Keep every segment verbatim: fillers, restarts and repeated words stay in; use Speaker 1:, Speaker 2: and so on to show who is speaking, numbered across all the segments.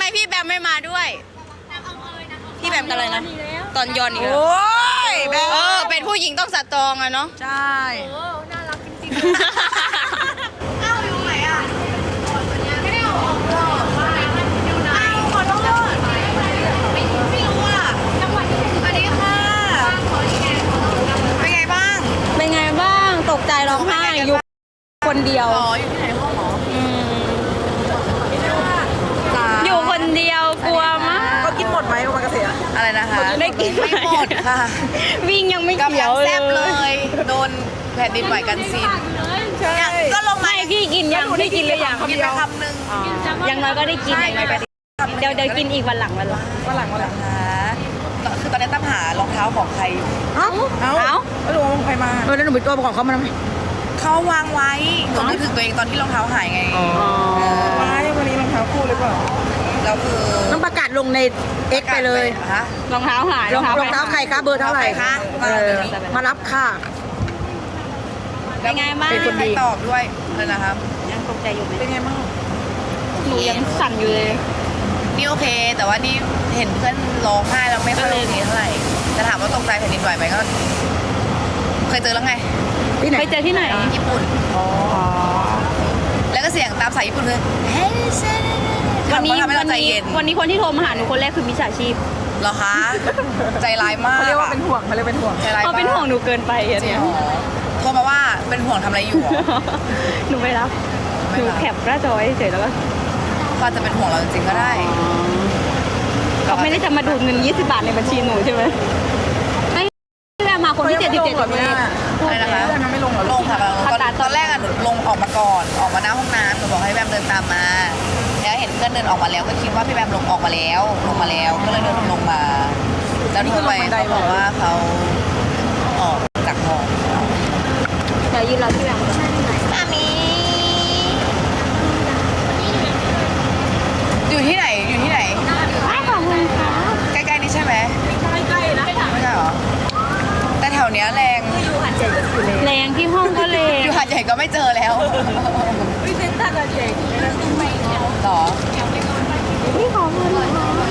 Speaker 1: พี่แบมไม่มาด้วยพี่แบมกันอะไรนะตอนย้อนอีก
Speaker 2: โอ้ยแบม
Speaker 1: เออเป็นผู้หญิงต้องสตรองอะเนาะ
Speaker 2: ใช่
Speaker 3: โอ้น่ารักจริงๆอ้าวอยู่ไหนอ่ะไม่ได้เอาออกเลยอยู่ไหนขอโทษไม่ไม่รู้อ่ะจังหวัดที่สวัสดีค่ะเป็นไงบ้าง
Speaker 1: เป็นไงบ้างตกใจร้องไห้อยู่คนเดียว
Speaker 3: อ๋ออยู่ที่ไหนห้องหมอ
Speaker 1: อืมอยู่คนเดียวกลัวมาก
Speaker 2: เขากินหมดไหมโอมากาเสะ
Speaker 3: อะไรนะคะ
Speaker 1: ได้กิน
Speaker 3: ไม่หมดค่ะ
Speaker 1: วิ่งยังไม่
Speaker 3: กำ
Speaker 1: เขี
Speaker 3: ลั
Speaker 1: ย
Speaker 3: ง
Speaker 1: ว
Speaker 3: แซ่บ
Speaker 1: เล
Speaker 3: เลย ย โดนแผ่นดินไหวกันซิน
Speaker 2: ใช่
Speaker 3: ก็ลงมา
Speaker 1: ไม่พี่กินยังพี่กินหรือยัง
Speaker 3: กินไปคำหนึ่ง
Speaker 1: ยังน้อยก็ได้กินอย่างน้อยก็ได้เดี๋ยวเดี๋ยวกินอีกวันหลังวันหลัง
Speaker 2: วันหลังวันหลัง
Speaker 3: นะคะคือตอนนี้ตั้มหารองเท้าของใครอยู่
Speaker 2: เอ้าเอ้า
Speaker 1: เอ้า
Speaker 2: แล้วหนูเอาใครมาเออแล้วหนูไปตัวของเขามาทำไม
Speaker 3: เขาวางไว้หนูนึกถึงตัวเองตอนที่รองเท้าหายไง
Speaker 2: ว้ายวันนี้รองเท้าคู่หรือเปล่า
Speaker 3: แล้วคือ
Speaker 2: ต้องประกาศลงใน X ไปเลย
Speaker 3: ฮะ
Speaker 1: รองเท้าหาย
Speaker 2: รองรองเท้าใครคะเบอร์เท่าไหร่
Speaker 3: คะ
Speaker 2: เออมารับค่ะ
Speaker 1: เป็นไงบ้าง
Speaker 3: เป็นคนดีตอบด้วยเลยนะครับ
Speaker 1: ยังตกใจอยู่ไหม
Speaker 2: เป็นไงบ้าง
Speaker 1: หนูยังสั่นอยู่เลย
Speaker 3: นี่โอเค แต่ว่านี่เห็นเพื่อนร้องไห้แล้วไม่ค่อยโอเคเท่าไหร่แต่ถามว่าตกใจแผ่นดินไหวไหมก็เคยเจอแล้วไง
Speaker 2: ที่ไหน
Speaker 1: ไปเจอที่ไหน
Speaker 3: ญี่ปุ่น
Speaker 2: อ๋อ
Speaker 3: แล้วก็เสียงตามสายญี่ปุ่นคือเฮ้ยเซน
Speaker 1: วันนี้
Speaker 3: ทำให้
Speaker 1: วั
Speaker 3: เรา
Speaker 1: น
Speaker 3: ใจ
Speaker 1: นี้
Speaker 3: เย็น
Speaker 1: วันนี้คนที่โทรมาหาหนูคนแรกคือมิจฉาชีพ
Speaker 3: เหรอคะ ใจร้ายมาก
Speaker 2: เขาเรียกว่าเป็นห่วงเขาเรียกเป็นห่วง
Speaker 3: ใจร้าย
Speaker 1: เขา
Speaker 3: มาก
Speaker 1: เป็นห่วงหนูเกินไปอะ
Speaker 3: จริง
Speaker 1: เนี่ย
Speaker 3: เหรอโทรมาว่าเป็นห่วงทำอะไรอยู่เหรอ
Speaker 1: หนูไม่รับ
Speaker 3: ไม่
Speaker 1: หนู
Speaker 3: รับ
Speaker 1: แคปหน้าจอไว้เฉยๆแล้วก็
Speaker 3: เขาอาจจะเป็นห่วงเราจริงๆก็ได้
Speaker 1: เขาไม่ได้จะมาดูดเงินยี่สิบบาทในบัญชีหนูใช่ไหมไม่แม่มาคนที่เจ็ดสิบเจ็ดแบบนี้
Speaker 3: อะไรนะคะ
Speaker 2: เพื่อนมันไม่ลงเหรอ
Speaker 3: ลงค่ะตอน
Speaker 1: ตัด
Speaker 3: ตอนแรกอะหนูลงออกมาก่อนออกมาหน้าห้องน้ำหนูบอกให้แบมเดินตามมาแล้วเห็นเพื่อนเดินออกมาแล้วก็คิดว่าพี่แบมลงออกมาแล้วลงมาแล้วก็เลยเดินลงมาแล้วโทรไปเขาบอกว่าเขาออกจากห้อง
Speaker 1: เดี๋ยวยืนรอที่แบง
Speaker 3: มามีอยู่ที่ไหนอยู่ที่ไหน
Speaker 1: ไม่ขอบคุณค่ะ
Speaker 3: ใกล้ๆนี่ใช่ไหมใกล้ๆนะไม่ใช่เหรอแต่แถวเนี้ยแรง
Speaker 1: แรงที่ห้องก็แรง
Speaker 3: อยู่หาดใหญ่ก็ไม่เจอแล้ว
Speaker 2: วิเซนต้ากับเจ
Speaker 3: หรอ
Speaker 1: พี่ขอเงินหน่อย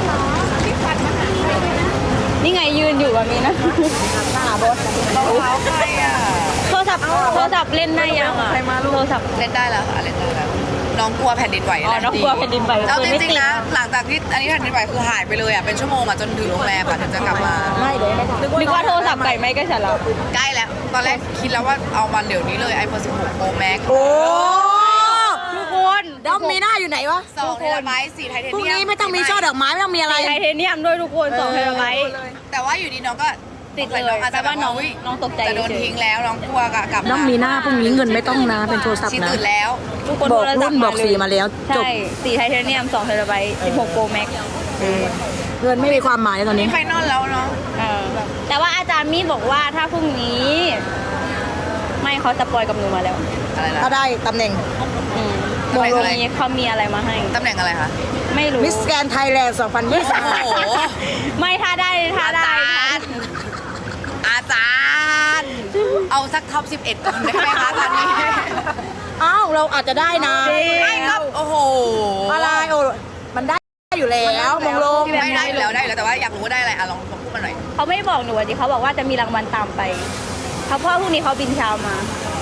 Speaker 1: นี่ไงยืนอยู่แบบนี้นะ
Speaker 2: หาบอส
Speaker 3: รองเท้าใครอ่ะ
Speaker 1: โทรศัพท์โทรศัพท์เล่นได้ยังอ่ะ
Speaker 2: ใครมาลูก
Speaker 1: โทรศัพท์
Speaker 3: เล่นได้แล้วค่ะเล่นได้แล้วน้องกลัวแผ่นดินไหว
Speaker 1: อ๋อน้องกลัวแผ่นดินไหว
Speaker 3: เอา
Speaker 1: เลย
Speaker 3: จ
Speaker 1: ไม่
Speaker 3: ริ
Speaker 1: ติ
Speaker 3: ง
Speaker 1: ด
Speaker 3: ๆนะหลังจากที่อันนี้แผ่นดินไหวคือหายไปเลยอ่ะเป็นชั่วโมงอ่ะจนถึงโรงแรมอ่ะถึงจะกลับมา
Speaker 2: ไม่เดี๋ยวไม่ทัน
Speaker 1: นึกว่าโทรศัพท์ไก่ไม่ก็ฉันแล้ว
Speaker 3: ใกล้แล้วตอนแรกคิดแล้วว่าเอามาเดี๋ยวนี้เลย ไอโฟนสิบหก Pro Max
Speaker 2: โอ้
Speaker 1: ทุกคน
Speaker 2: ดอมมีหน้าอยู่ไหนวะ
Speaker 3: สองเทราไบต์สี่ไทเท
Speaker 2: พรุ่ง
Speaker 3: เนียม
Speaker 2: นี้ไม่ต้องมีช่อดอกไม้ไม่ต้องมีอะไร
Speaker 1: ไทเทเนียมด้วยทุกคนสองเทราไบต์
Speaker 3: แต่ว่าอยู่ดีน้องก็
Speaker 1: ติดเลย
Speaker 3: น้องอาจจะ
Speaker 1: แต่ว่าน้อง
Speaker 3: แบบ
Speaker 1: น้องตกใจ
Speaker 3: จะโดน
Speaker 1: เฉย
Speaker 3: ทิ้งแล้วน้องกลัวกะกลับ
Speaker 2: น้องมีหน้าพรุ่งนี้เงินไม่ต้องนะเป็นโทรศัพท์
Speaker 3: ชี
Speaker 2: นะ
Speaker 3: ตื่นแล้ว
Speaker 1: ทุกคน
Speaker 2: บอก
Speaker 1: โทรศั
Speaker 2: รุ่
Speaker 1: พ
Speaker 2: น
Speaker 1: ท์
Speaker 2: บอกสีมาแล้วจบ
Speaker 1: ใช่สี่ไทเทเนียมสองเทราไบต์สิบหกโปรแม็ก
Speaker 2: เงินไม่มีความหมายตอนนี้
Speaker 3: มีไฟนอลแล้วเนาะ
Speaker 1: แต่ว่าอาจารย์มี่บอกว่าถ้าพรุ่งนี้ ไม่เขาจะปล่อยกับหนูมาแล้ว
Speaker 3: อะไรนะ
Speaker 2: ถ้าได้ตำแหน่ง
Speaker 1: อืม
Speaker 3: ตำแหน่งอะไร
Speaker 1: นี้เขามีอะไรมาให้
Speaker 3: ตำแหน่งอะไรคะ
Speaker 1: ไม่รู้
Speaker 2: มิสแกนไทยแลนด์สองพันยี่สิบ
Speaker 3: โอ้โห
Speaker 1: ไม่ถ้าได้ถ้า
Speaker 3: อา
Speaker 1: ได้
Speaker 3: จารย์ อาจารย์ เอาสักท็อปสิบเอ็ดก่อนได้ไหมคะตอนนี้
Speaker 2: อ้าวเราอาจจะได้นะ
Speaker 3: ไม่ครับ โอ้โห
Speaker 2: อะไรโอ้มันได้อยู่แล้วมงลง
Speaker 3: ไม่ได้อยู่แล้วได้อยู่แล้วแต่ว่าอยากรู้ว่าได้อะไรอ่ะลองลองพูดมาหน่อย
Speaker 1: เขาไม่บอกหนูดิเขาบอกว่าจะมีรางวัลตามไปเขาเพราะว่าพรุ่งนี้เขาบินเช้ามา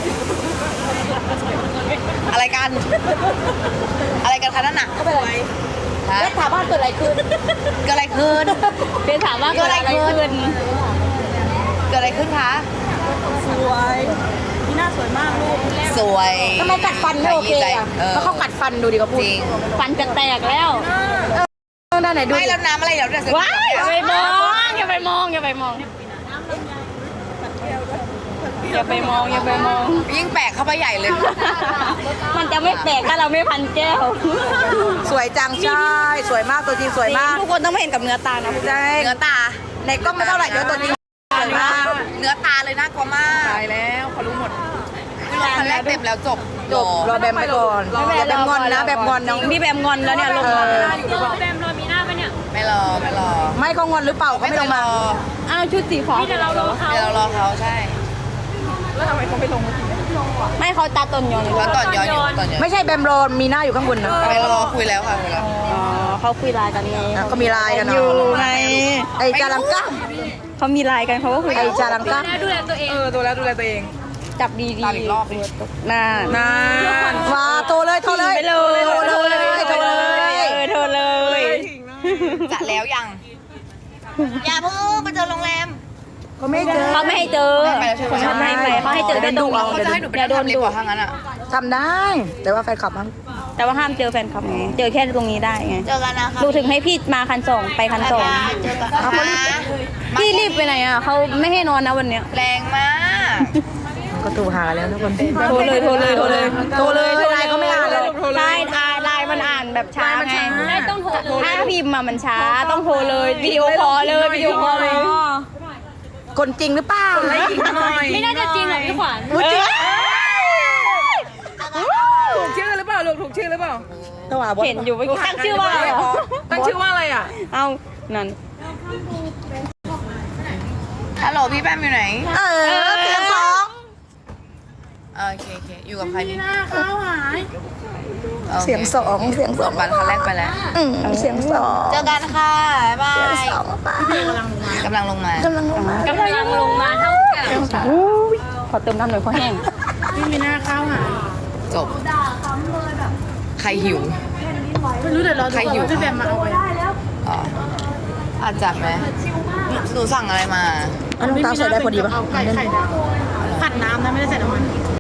Speaker 3: อะไรกัน อะไรกันคะนั่นน่ะ
Speaker 2: ก็เป็นไร
Speaker 3: ฮะ
Speaker 2: แล้วถามว่าเกิดอะไรขึ้น
Speaker 3: เกิดอะไรขึ้น
Speaker 1: เป็นถามว่าเกิดอะไรขึ้น
Speaker 3: เกิดอะไรขึ้นคะ
Speaker 2: สวยนี่หน้าสวยมากลูก
Speaker 3: สวย
Speaker 2: ทำไมกัดฟันไม่โอเคอ่ะ
Speaker 3: เออ
Speaker 2: แล้วเขากัดฟันดูดิเขาพูด
Speaker 3: จริง
Speaker 1: ฟันจะแตกแล้ว
Speaker 2: ด้านไหนดู
Speaker 3: ไม่แล้วน้ำอะไรเดี๋ยวเดี๋ยว
Speaker 1: ว้ายอย่าไปมองอย่าไปมองอย่าไปมองอย่าไปมองอย่าไปมอง
Speaker 3: ยิ่งแปลกเข้าไปใหญ่เลย
Speaker 1: มันจะไม่แตกถ้าเราไม่พันแก้ว
Speaker 2: สวยจังใช่ สวยมากตัวจริงสวยมาก
Speaker 1: ทุกคนต้องมาเห็นกับเนื้อตานะ
Speaker 2: ใช่
Speaker 3: เนื้อตา
Speaker 2: ในกล้องไม่เท่าไหร่เดี๋ยวตัวจริงสวยมาก
Speaker 3: เนื้อตาเลยน่ากลัวมาก
Speaker 2: ตายแล้วเขารู้หมด
Speaker 3: คือรถคันแรกเต็มแล้วจบ
Speaker 2: จบรอแบมไปก่อนอย่าแบมงอนนะแบมงอนน้อง
Speaker 1: พี่แบมงอนแล้วเนี่ยลงมา
Speaker 2: เออ
Speaker 3: ไม่รอไม่รอ
Speaker 2: ไม่เขางอนหรือเปล่าเขาไม่ลงมา
Speaker 1: อ้าวชุดสีฟ้า
Speaker 3: เดี๋ยวเรารอเขาใช่
Speaker 2: แล้วทำไมเขาไม่ลงมาที
Speaker 1: ไม่เขาตาตนยอน
Speaker 3: แล้วตอนย้อนอยู่ตอนย้อน
Speaker 2: ไม่ใช่แบมรอมีหน้าอยู่ข้างบนนะ
Speaker 3: ไปรอคุยแล้วค่ะคุยแล้ว
Speaker 1: อ๋อเขาคุยไลน์กันไง
Speaker 2: อ่ะก็มีไลน์กัน
Speaker 1: อ
Speaker 2: เนาะ
Speaker 1: ยู่ไง
Speaker 2: ไอจารังก้า
Speaker 1: เขามีไลน์กันเขาก็คุย
Speaker 2: ไอจารังก้า
Speaker 1: ดูแลตัวเอง
Speaker 4: เออตัวแล้วดูแลตัวเอง
Speaker 1: จับดี
Speaker 3: ตามอีกรอบดิ
Speaker 1: ๆน่า
Speaker 4: นาน
Speaker 2: มาโทรเลยโทรเลย
Speaker 1: ไปเลย
Speaker 2: โทรเลยโทรเลย
Speaker 1: เออโทรเลย
Speaker 3: จะแล้วยัง อย่าเพิ่งไปเจอโรงแรม
Speaker 2: เขาไม่เจอ
Speaker 1: เขาไม่ให้เจอ
Speaker 3: ไม่ไปแล้วใช่ไหม
Speaker 1: เขาไม่ให้ไปเขาให้เจอแค่ตรงนี้
Speaker 3: เขาจะให้หนูไป
Speaker 1: อย่าโด
Speaker 3: ทำ
Speaker 1: น
Speaker 3: ดี
Speaker 1: ดุ
Speaker 3: กว่าถ้างั้นอ่ะ
Speaker 2: ทำได้ แต่ว่าแฟนคลับมัน
Speaker 1: แต่ว่าห้ามเจอแฟนคลับไงเจอแค่ตรงนี้ได้ไง
Speaker 3: เจอกันนะคะ
Speaker 1: ดูถึงให้พี่มาคันสองไปคันสอง
Speaker 3: เจอกันนะคะ
Speaker 1: พี่รีบไปไหนอ่ะเขาไม่ให้นอนนะวันเนี้ย
Speaker 3: แรงมาก
Speaker 2: ก็ตูหาแล้วทุกคน
Speaker 1: โทรเลยโทรเลยโทรเลย
Speaker 2: โทรเลยไลน์เขาไม่อ่านเลย
Speaker 1: ไลน์อ่านไลน์มันอ่านแบบช้าไง
Speaker 4: ได้ต้องโทร
Speaker 1: ถ้าพิมพ์มามันช้าต้องโทรเลยวิดีโอคอลเลยวิดีโอคอลเลย
Speaker 2: คนจริงหรือเปล่า
Speaker 4: ไม่จริงหน่อย
Speaker 1: ไม่น่าจะจริงหรอกพี่ขวัญ
Speaker 2: อุ๊ยจริง
Speaker 4: ถูกชื่อหรือเปล่าลูกถูกชื่อหรือเปล่า
Speaker 2: ตัวหาบอส
Speaker 1: เห็นอยู่เมื่อกี้ตั้งชื่อว่าอะไรอ่ะ
Speaker 4: ตั้งชื่อว่าอะไรอ่ะ
Speaker 1: เอานั่น
Speaker 3: ฮัลโหลพี่แปมอยู่ไหน
Speaker 2: เออเสียงสอง
Speaker 3: โอเคโอเคอยู่กับใครนี่
Speaker 4: ข้าวหาย
Speaker 3: โอค
Speaker 2: เสียงสองเสียงสอง
Speaker 3: บัตรคันแรกไปแล้ว
Speaker 2: อืมเสียงสอง
Speaker 3: เจอกันค่ะบ๊ายบาย
Speaker 2: สองป่ะ
Speaker 3: กำลังลงมา
Speaker 2: กำลังลงมาก
Speaker 1: ำลังลงมาเท่ากับขอเติมน้ำหน่อยเพราะแห้ง
Speaker 4: พี่มีหน้าข้าวหาย
Speaker 3: จบใครหิว
Speaker 4: ไม่รู้เดี๋ยวเรา
Speaker 3: ใครหิว
Speaker 4: พี่แบมมาเอาไป
Speaker 3: อ๋ออาจจัดไหมหนูสั่งอะไรมา
Speaker 2: อันน้ำตาลใส่ได้พอดีป่ะ
Speaker 4: เอาไก่ไข่ดาวผัดน้ำนะไม่ได้ใส่น้ำมัน